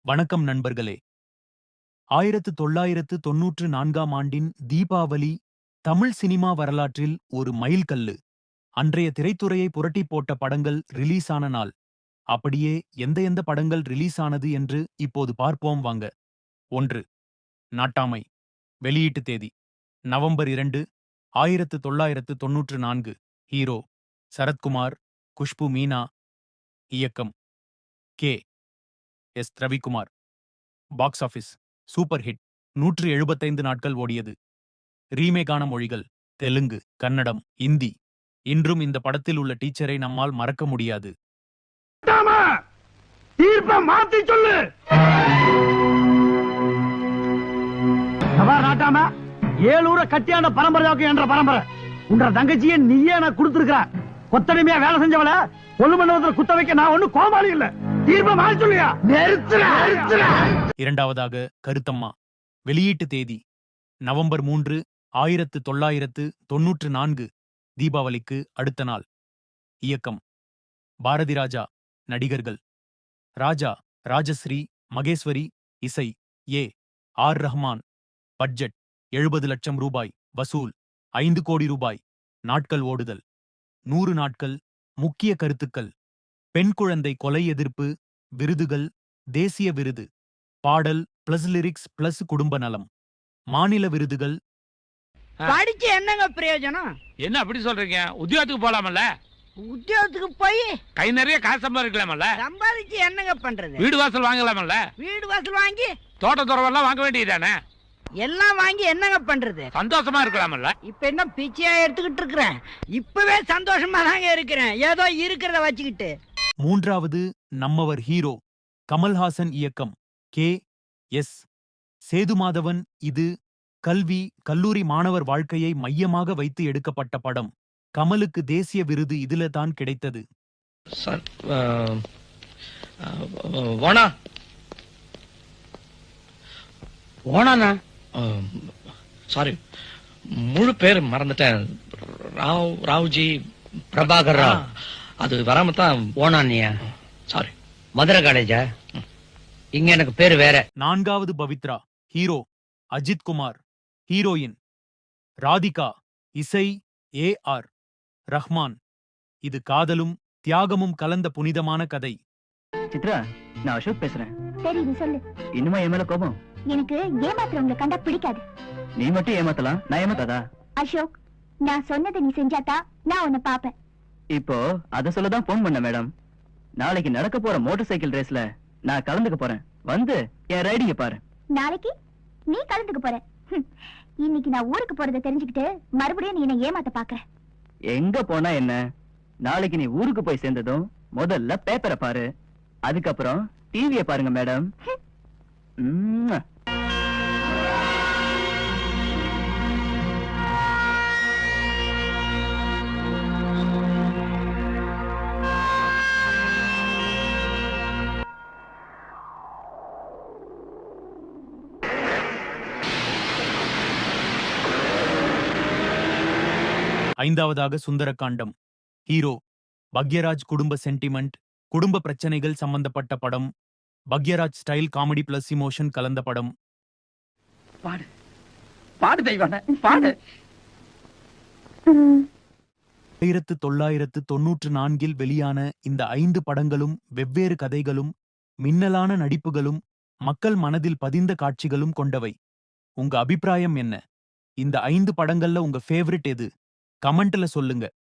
வணக்கம் நண்பர்களே. 1994ஆம் ஆண்டின் தீபாவளி தமிழ் சினிமா வரலாற்றில் ஒரு மைல்கல்லு. அன்றைய திரைத்துறையை புரட்டிப் போட்ட படங்கள் ரிலீஸ் ஆன நாள். அப்படியே எந்த படங்கள் ரிலீஸ் ஆனது என்று இப்போது பார்ப்போம் வாங்க. 1. நாட்டாமை. வெளியீட்டு தேதி நவம்பர் 2, 1994. ஹீரோ சரத்குமார், குஷ்பு மீனா. இயக்கம் K. S. Ravikumar. Box office super hit. 175 நாட்கள் ஓடியது. ரீமேக்கான மொழிகள் தெலுங்கு, கன்னடம், இந்தி. இன்றும் இந்த படத்தில் உள்ள டீச்சரை நம்மால் மறக்க முடியாது. தீர்ப்ப மாத்தி சொல்லு. நாட்டாம 7 ஊரை கட்டியான பரம்பரை என்ற பரம்பரை உன்ற தங்கச்சியை நீயே நான் கொடுத்திருக்கிற. கொத்தடிமையா வேலை செஞ்சவள கொள்ளு மண்டபத்தில் குத்த வைக்க நான் ஒண்ணு கோமாளி இல்ல. தீர்ப்ப மாத்தி சொல்லியா. இரண்டாவதாக கருத்தம்மா. வெளியீட்டு தேதி நவம்பர் 3, 1994. தீபாவளிக்கு அடுத்த நாள். இயக்கம் பாரதி ராஜா. நடிகர்கள் ராஜா, ராஜஸ்ரீ, மகேஸ்வரி. இசை ஏ. ஆர். ரஹ்மான். பட்ஜெட் 70 லட்சம் ரூபாய். வசூல் 5 கோடி ரூபாய். நாட்கள் ஓடுதல் 100 நாட்கள். முக்கிய கருத்துக்கள்: பெண் குழந்தை கொலை எதிர்ப்பு, விருதுகள், தேசிய விருது, பாடல் பிளஸ் லிரிக்ஸ் பிளஸ் குடும்ப நலம், மாநில விருதுகள். படிச்சு என்னங்க பிரயோஜனம்? என்ன அப்படி சொல்றீங்க? உத்தியோகத்துக்கு போலாமல்ல? உத்தியோகத்துக்கு போய் கை நிறைய காசு சம்பாதிக்கலாமல்ல? சம்பாதிச்சு என்னங்க பண்றது? வீடு வாசல் வாங்கலாமல்ல? வீடு வாசல் வாங்கி தோட்ட துறவெல்லாம் வாங்க வேண்டியதானே? எல்லாம் வாங்கி என்னங்க பண்றது? சந்தோஷமா இருக்கலாமல்ல? இப்ப என்ன பிச்சையா எடுத்துக்கிட்டு இருக்கிறேன்? இப்பவே சந்தோஷமா தாங்க இருக்கிறேன், ஏதோ இருக்கிறத வச்சுக்கிட்டு. மூன்றாவது நம்மவர் ஹீரோ கமல்ஹாசன். இயக்கம் கே. எஸ். சேதுமாதவன். இது கல்வி, கல்லூரி மாணவர் வாழ்க்கையை மையமாக வைத்து எடுக்கப்பட்ட படம். கமலுக்கு தேசிய விருது இதுல தான் கிடைத்தது. சாரி, முழு பேர் மறந்துட்டேன். ராவ்ஜி பிரபாகர் ராவ். அது வராம தான் ஓனானியா. சாரி. மதுரை காலேஜா? இங்க எனக்கு பேரு வேற. நான்காவது பவித்ரா. ஹீரோ அஜித் குமார். ஹீரோயின் ராதிகா. இசை ஏ. ஆர். ரஹ்மான். இது காதலும் தியாகமும் கலந்த புனிதமான கதை. சித்ரா, நான் அசோக் பேசுறேன். தெரியுது, சொல்லு. இன்னுமா என் மேல கோபம்? எனக்கு ஏமாத்துறவங்களை கண்டா பிடிக்காது. நீ மட்டும் ஏமாத்தலாம், நான் ஏமாத்தாதா? அசோக், நான் சொன்னதை நீ செஞ்சாத்தா நான் உன்னை பாப்பேன். இப்போ அத சொல்லதான் போன் பண்ண மேடம். நாளைக்கு நடக்க போற மோட்டார் சைக்கிள் ரேஸ்ல நான் கலந்துக்க போறேன். வந்து என் ரைடிங்க பாரு. நாளைக்கு நீ கலந்துக்க போற? இன்னைக்கு நான் ஊருக்கு போறதை தெரிஞ்சுக்கிட்டு மறுபடியும் நீ என்ன ஏமாத்த பாக்குற. எங்க போனா என்ன? நாளைக்கு நீ ஊருக்கு போய் சேர்ந்ததும் முதல்ல பேப்பரை பாரு, அதுக்கப்புறம் டிவியை பாருங்க மேடம். ஐந்தாவதாக சுந்தரகாண்டம். ஹீரோ பக்யராஜ். குடும்ப சென்டிமெண்ட், குடும்ப பிரச்சனைகள் சம்பந்தப்பட்ட படம். Bhagyaraj style comedy plus emotion கலந்த படம். பாடு பாடு தெய்வான பாடு. 1994 வெளியான இந்த 5 படங்களும் வெவ்வேறு கதைகளும், மின்னலான நடிப்புகளும், மக்கள் மனதில் பதிந்த காட்சிகளும் கொண்டவை. உங்க அபிப்பிராயம் என்ன? இந்த 5 படங்கள்ல உங்க ஃபேவரிட் எது? கமெண்ட்ல சொல்லுங்க.